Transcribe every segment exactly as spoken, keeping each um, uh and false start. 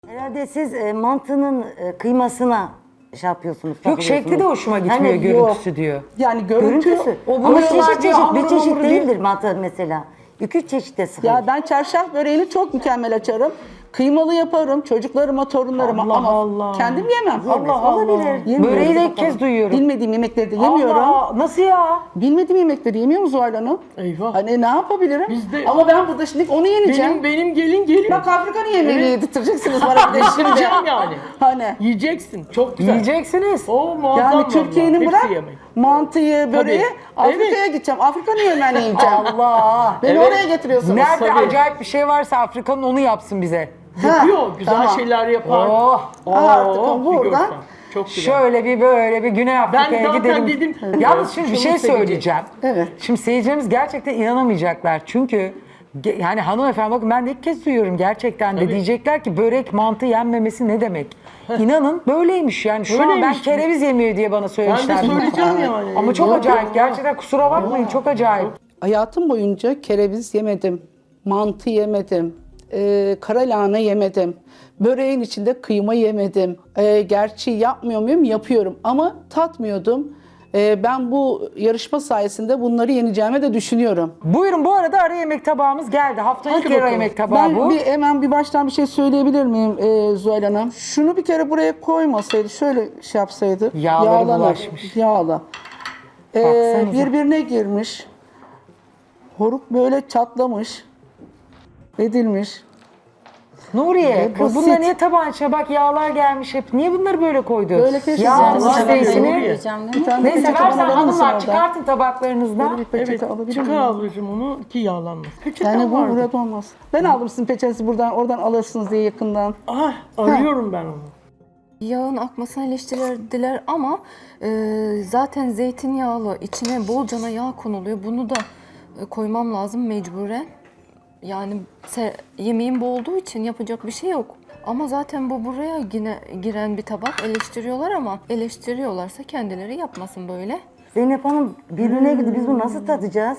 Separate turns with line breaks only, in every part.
Herhalde siz e, mantının e, kıymasına şey yapıyorsunuz.
Yok şekli de hoşuma gitmiyor,
Hani
görüntüsü
yok.
diyor.
Yani görüntü,
Görüntüsü.
o
Ama
buralar
çeşit
diyor,
çeşit bir
hamuru
çeşit
mamuru diyor.
değildir mantı mesela. İki üç çeşit de sıkılır.
Ya ben çarşaf böreğini çok mükemmel açarım. Kıymalı yaparım çocuklarıma, torunlarıma
Allah
ama
Allah.
kendim yemem.
Yemez,
Allah Allah.
olabilir.
Yemiyorum.
Böreği de ilk kez duyuyorum.
Bilmediğim yemekleri de yemiyorum.
Allah, nasıl ya?
Bilmediğim yemekleri yemiyor mu Zuhal Hanım?
Eyvah.
Hani ne yapabilirim?
Biz de-
Ama ben burada şimdi onu yeneceğim.
Benim benim gelin geliyor.
Bak Afrika'nın yemeğini
Evet.
yedirteceksiniz bana bir de şimdi.
Yiyeceğim yani.
Hani
Yiyeceksin. Çok güzel.
Yiyeceksiniz.
O muazzam.
yani
vallahi.
Türkiye'nin
Hepsi
bırak
yemek.
mantıyı, böreği
Tabii.
Afrika'ya gideceğim. Afrika'nın yemeğini yiyeceğim.
Allah.
Beni
Evet.
oraya getiriyorsunuz.
Nerede
Tabii.
acayip bir şey varsa Afrika'nın onu yapsın bize.
Yapıyor. Güzel
tamam.
şeyler yapar.
Oh.
Oo,
Artık o
bir
buradan-
görsen. Çok güzel.
Şöyle bir böyle bir Güney Afrika'ya
zaten
gidelim.
dedim,
Yalnız şimdi bir
şunu
şey
sevecek.
söyleyeceğim.
Evet.
Şimdi seyircilerimiz gerçekten inanamayacaklar. Çünkü ge- yani hanımefendi bakın ben de ilk kez duyuyorum gerçekten de.
Tabii.
Diyecekler ki börek mantı yenmemesi ne demek? İnanın böyleymiş yani. Şu an ben
Öyleymiş.
kereviz yemiyor diye bana
Ben de
söylemişler.
söyleyeceğim yani.
Ama çok
Yok,
acayip.
yok.
Gerçekten kusura bakmayın çok acayip.
Hayatım boyunca kereviz yemedim, mantı yemedim, e, kara lahana yemedim, böreğin içinde kıyma yemedim. E, gerçi yapmıyor muyum? Yapıyorum ama tatmıyordum. E, ben bu yarışma sayesinde bunları yeneceğime de düşünüyorum.
Buyurun bu arada ara yemek tabağımız geldi. Haftanın ilk
Hadi
ara
bakalım.
yemek tabağı
Ben
bu.
bir, hemen bir baştan bir şey söyleyebilir miyim e, Zuhal Hanım? Şunu bir kere buraya koymasaydı, şöyle şey yapsaydı.
Yağları
yağlanır,
bulaşmış.
Yağla. E,
Baksanıza.
birbirine girmiş. Horuk böyle çatlamış. Edilmiş.
Nuriye,
Ve
kız
basit.
bunlar niye tabağın içine bak yağlar gelmiş hep. Niye bunları böyle koydun?
Böyle keşke
Yağ
zaten
almış
sabah
zeytini.
Nuriye.
Bir tane
Neyse
peçete
versen
bana verir misin
hanımlar
oradan?
çıkartın tabaklarınızdan.
Böyle bir peçete
Evet.
alabilir
Çıkar
miyim?
ablacığım onu ki yağlanmaz. Peçete
Yani bu
vardı.
burada olmaz. Ben aldım sizin peçetenizi buradan, oradan alırsınız diye yakından.
Ah arıyorum ben onu.
Yağın akmasını eleştirdiler ama e, zaten zeytinyağlı içine bolcana yağ konuluyor. Bunu da e, koymam lazım mecburen. Yani se- yemeğim bu olduğu için yapacak bir şey yok. Ama zaten bu buraya yine giren bir tabak eleştiriyorlar ama eleştiriyorlarsa kendileri yapmasın böyle.
Zeynep Hanım birbirine girdi. Biz bunu nasıl tadacağız?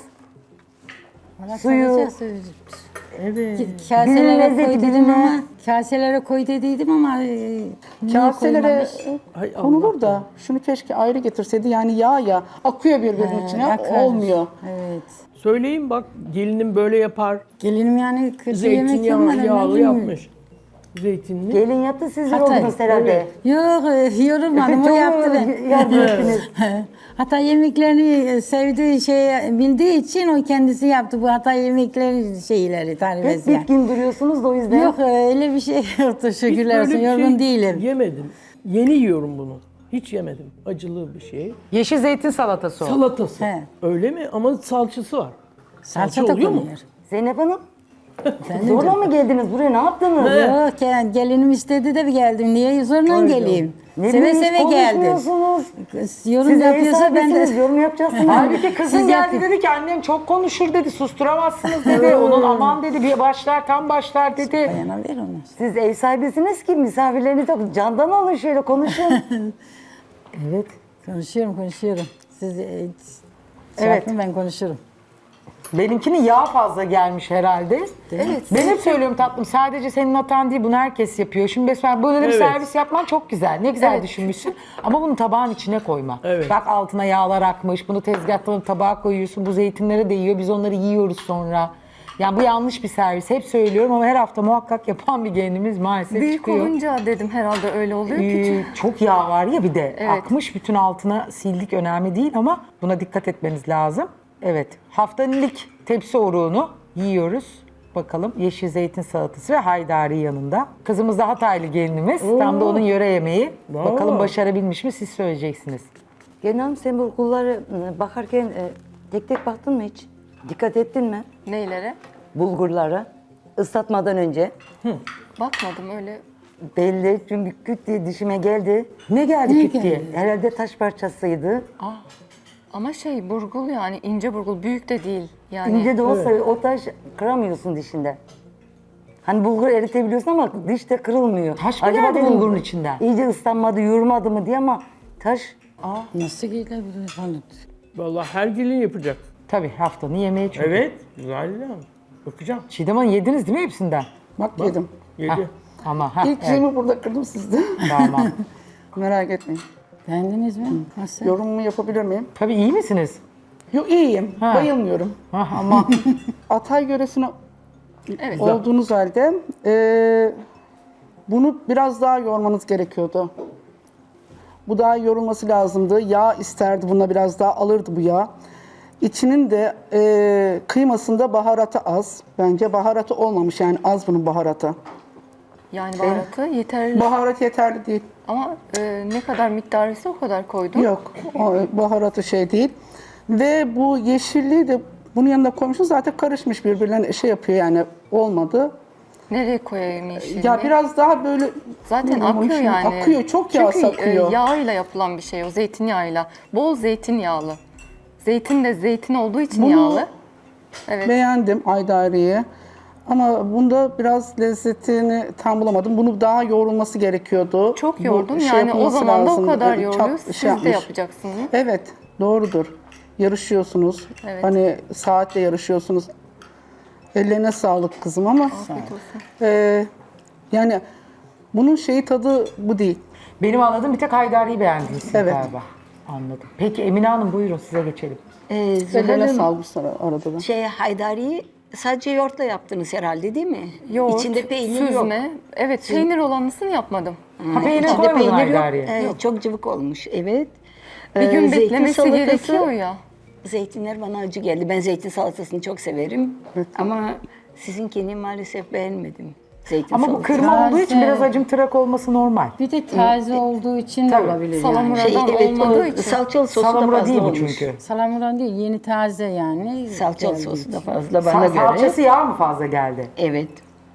Suyu.
Evet.
Birine
Kaselere
lezzeti,
koy dedim
birine-
ama kaselere koy dediydim ama e, niye
Kaselere
koymamış?
Hay Allah.
konulur da şunu keşke ayrı getirseydi. Yani yağ ya akıyor birbirinin içine
Akar.
olmuyor.
Evet.
Söyleyeyim bak gelinim böyle yapar.
Gelinim yani kötü yemek yapmadı.
Zeytinyağı yağlı yapmış. Zeytinli.
Gelin yaptı sizler
Hatay.
oldunuz herhalde.
Yok e, yorulmadım o
Çok
yaptı ben.
yardım ettiniz.
Hatta yemeklerini sevdiği şey bildiği için o kendisi yaptı bu hata yemekleri şeyleri tarif
Hep
etsin.
bitkin duruyorsunuz da o yüzden.
Yok e, öyle bir şey yoktu
Hiç
şükürler
böyle
olsun
bir
yorgun
şey
değilim.
Yemedim. Yeni yiyorum bunu. Hiç yemedim. Acılı bir şey.
Yeşil zeytin salatası o.
Salatası.
He.
Öyle mi? Ama salçası var.
Salça da
oluyor mu?
konuyor.
Zeynep Hanım. Zorla mı geldiniz buraya? Ne yaptınız?
Yok yani gelinim istedi de bir geldim. Niye zorla geleyim?
Ne
seve
bileyim, hiç
seve geldim.
konuşmuyorsunuz.
Yorum
Siz ev
yapıyorsa ben de...
sahibisiniz, yorum yapacaksınız.
Halbuki kızın
Siz
geldi
yapın.
dedi ki annem çok konuşur dedi, susturamazsınız dedi. Onun aman dedi bir başlar tam başlar dedi.
Bayana ver onu.
Siz ev sahibisiniz ki misafirleriniz yok. Candan alın şöyle konuşun.
Evet.
Konuşuyorum konuşuyorum. Siz e, şey
Evet.
yapın, ben konuşurum.
Benimkinin yağ fazla gelmiş herhalde.
Evet.
Ben hep söylüyorum tatlım sadece senin hatan değil bunu herkes yapıyor. Şimdi mesela böyle bir
Evet.
servis yapman çok güzel. Ne güzel
Evet.
düşünmüşsün ama bunu tabağın içine koyma.
Evet.
Bak altına yağlar akmış bunu tezgahtan tabağa koyuyorsun. Bu zeytinleri de yiyor biz onları yiyoruz sonra. Yani bu yanlış bir servis. Hep söylüyorum ama her hafta muhakkak yapan bir gelinimiz maalesef
Büyük
çıkıyor.
olunca dedim herhalde öyle oluyor.
Ee,
Küçük.
çok yağ var ya bir de.
Evet.
Akmış bütün altına sildik önemli değil ama buna dikkat etmeniz lazım. Evet. Haftanın ilk tepsi oruğunu yiyoruz. Bakalım yeşil zeytin salatası ve haydari yanında. Kızımız da Hataylı gelinimiz. Tam da onun yöre yemeği.
Bravo.
Bakalım başarabilmiş mi siz söyleyeceksiniz.
Gelin Hanım sen bu kulları e, bakarken e, tek tek baktın mı hiç? Dikkat ettin mi?
Neylere?
Bulgurları ıslatmadan önce.
Bakmadım öyle.
Belli çünkü küt diye dişime geldi.
Ne geldi
Ne
küt diye?
geldi?
Herhalde taş parçasıydı.
Ama şey burgul yani ince burgul büyük de değil. Yani
İnce de olsa o taş kıramıyorsun dişinde. Hani bulgur eritebiliyorsun ama dişte kırılmıyor.
Taş mı geldi
dedim,
bulgurun içinden?
İyice ıslanmadı, yurmadı mı diye ama taş
Nasıl gelebilir falan.
Vallahi her gelin yapacak.
Tabii haftanın yemeği çünkü.
Evet. Güzel ya. Bakacağım.
Çiğdem Hanım yediniz değil mi hepsinden?
Bak yedim.
Yedi.
Ama ha,
İlk
evet,
şeyimi burada kırdım sizde.
tamam.
Merak etmeyin.
Beğendiniz mi? Nasıl?
Yorumumu yapabilir miyim?
Tabii iyi misiniz?
Yok iyiyim.
Ha.
Bayılmıyorum.
Ha, ama
Atay yöresine
Evet.
olduğunuz halde eee, bunu biraz daha yoğurmanız gerekiyordu. Bu daha yoğrulması lazımdı. Yağ isterdi. Buna biraz daha alırdı bu yağ. İçinin de eee kıymasında baharatı az. Bence baharatı olmamış yani az bunun baharatı.
Yani baharatı yeterli
Baharat yeterli değil.
ama e, ne kadar miktarıysa o kadar koydum.
Yok. O baharatı şey değil. Ve bu yeşilliği de bunun yanında koymuşum. Zaten karışmış birbirlerine şey yapıyor yani olmadı.
Nereye koyayım yeşilini?
Ya biraz daha böyle
Zaten
ne bileyim,
akıyor
şimdi
yani.
Akıyor. Çok yağ
Çünkü
sakıyor.
e, yağıyla yapılan bir şey o, zeytinyağıyla. Bol zeytinyağlı. Zeytin de zeytin olduğu için
Bunu-
yağlı. Evet.
Beğendim aydariyi. Ama bunda biraz lezzetini tam bulamadım. Bunu daha yoğrulması gerekiyordu.
Çok
Bu
yoğurdum.
şey
Yani o
yapılması
zaman da o
lazımdı.
kadar
Evet,
yoğuruyor.
çat-
Siz
şey
de
yapmış.
yapacaksınız.
Evet, doğrudur. Yarışıyorsunuz.
Evet.
Hani saatle yarışıyorsunuz. Ellerine sağlık kızım ama e, yani bunun şeyi tadı bu değil.
benim anladığım bir tek Haydari'yi beğendiniz siz
Evet.
galiba. Anladım. Peki Emine Hanım buyurun size geçelim.
Ee, Zuhal
Ellerine
Hanım,
sağlık sonra arada da.
şey haydariyi sadece yoğurtla yaptınız herhalde değil mi?
Yoğurt,
İçinde peynir yok.
süzme. Evet, peynir olanısını yapmadım.
Ha, peynir
İçinde
koymadın
peynir yok.
Haydari'ye.
Ee, çok cıvık olmuş, evet.
Bir
Ee,
gün
zeytin
beklemesi
salatası-
gerekiyor ya.
Zeytinler bana acı geldi. Ben zeytin salatasını çok severim. Ama sizinkini maalesef beğenmedim. Zeytin
Ama bu
salatası.
kırma olduğu için
Taze.
biraz acımtırak olması normal.
Bir de taze olduğu için de
Tabii.
olabilir yani.
Salamura-
Şey,
Buradan
evet,
olmadığı
o
için.
salçalı sosu da
Salamura
fazla
değil bu
olmuş.
çünkü.
Salamuran değil, yeni taze yani.
Salçalı
Geldiği
sosu da
için.
fazla bana
Sa-
göre.
Salçası yağ mı fazla geldi?
Evet.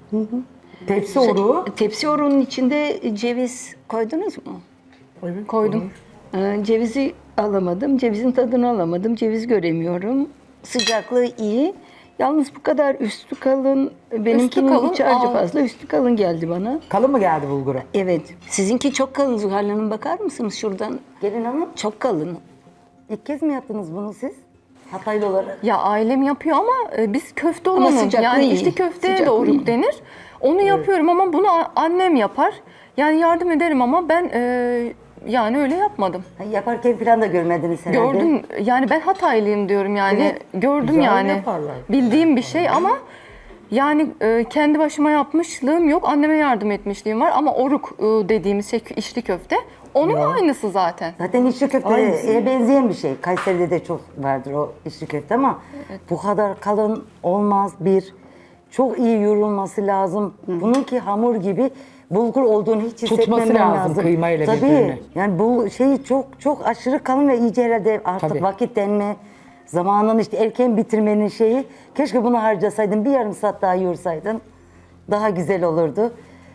Tepsi oruğu.
Tepsi oruğunun içinde ceviz koydunuz mu?
Koydum.
Ee, cevizi alamadım. Cevizin tadını alamadım. Ceviz göremiyorum. Sıcaklığı iyi. Yalnız bu kadar üstü kalın. Benimkinin
kalın,
üç harcı
al.
fazla. Üstü kalın geldi bana.
Kalın mı geldi bulguru?
Evet. Sizinki çok kalın Zuhal Hanım. Bakar mısınız şuradan?
Gelin hanım,
Çok kalın.
ilk kez mi yaptınız bunu siz? Hataylı olarak.
Ya ailem yapıyor ama e, biz köfte
Ama
olanı,
sıcaklığı
yani
iyi.
içli köfteye de
Sıcaklığı
oruk
iyi.
denir. Onu yapıyorum ama bunu a- annem yapar. Yani yardım ederim ama ben e, yani öyle yapmadım.
Ha, yaparken falan da görmediniz herhalde.
Gördüm yani ben Hataylıyım diyorum yani.
Evet.
Gördüm
Güzel
yani.
yaparlar.
Bildiğim bir şey ama yani e, kendi başıma yapmışlığım yok. Anneme yardım etmişliğim var ama oruk e, dediğimiz şey içli köfte. Onun aynısı zaten.
Zaten içli köfteye benzeyen bir şey. Kayseri'de de çok vardır o içli köfte ama bu kadar kalın olmaz bir. Çok iyi yoğrulması lazım. Bununki hamur gibi bulgur olduğunu hiç
Tutması
hissetmemen
lazım
lazım.
kıymayla
Tabii.
birbirini.
Yani bu şey çok çok aşırı kalın ve iyice herhalde artık
Tabii.
vakit denme, zamanını işte erken bitirmenin şeyi. Keşke bunu harcasaydın, bir yarım saat daha yoğursaydın. Daha güzel olurdu.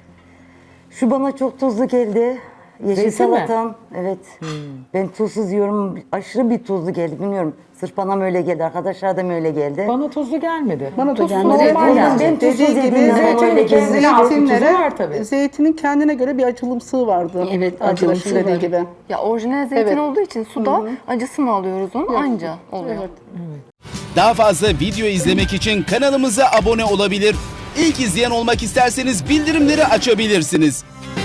Şu bana çok tuzlu geldi. Yeşil
Zeytin mi?
salatam. Evet. Ben tuzsuz yiyorum. Aşırı bir tuzlu geldi. Bilmiyorum. Sırf bana mı öyle geldi? Arkadaşlar da mı öyle geldi?
Bana tuzlu gelmedi.
Bana da
Tuzsuz
gelmedi.
normal
Dediğim-
yani.
ben tuzsuz
Dediği gibi
yediğim zaman
zeytin
öyle
kendine
geldi.
has bir tuzu
zeytinlere-
var tabii.
Zeytinin kendine göre bir acılımsığı vardı.
Evet,
Arkadaşın
acılımsı
dediği
var.
gibi.
Ya orijinal zeytin
Evet.
olduğu için suda acısını alıyoruz onu anca oluyor.
Evet.
Daha fazla video izlemek için kanalımıza abone olabilir. İlk izleyen olmak isterseniz bildirimleri açabilirsiniz.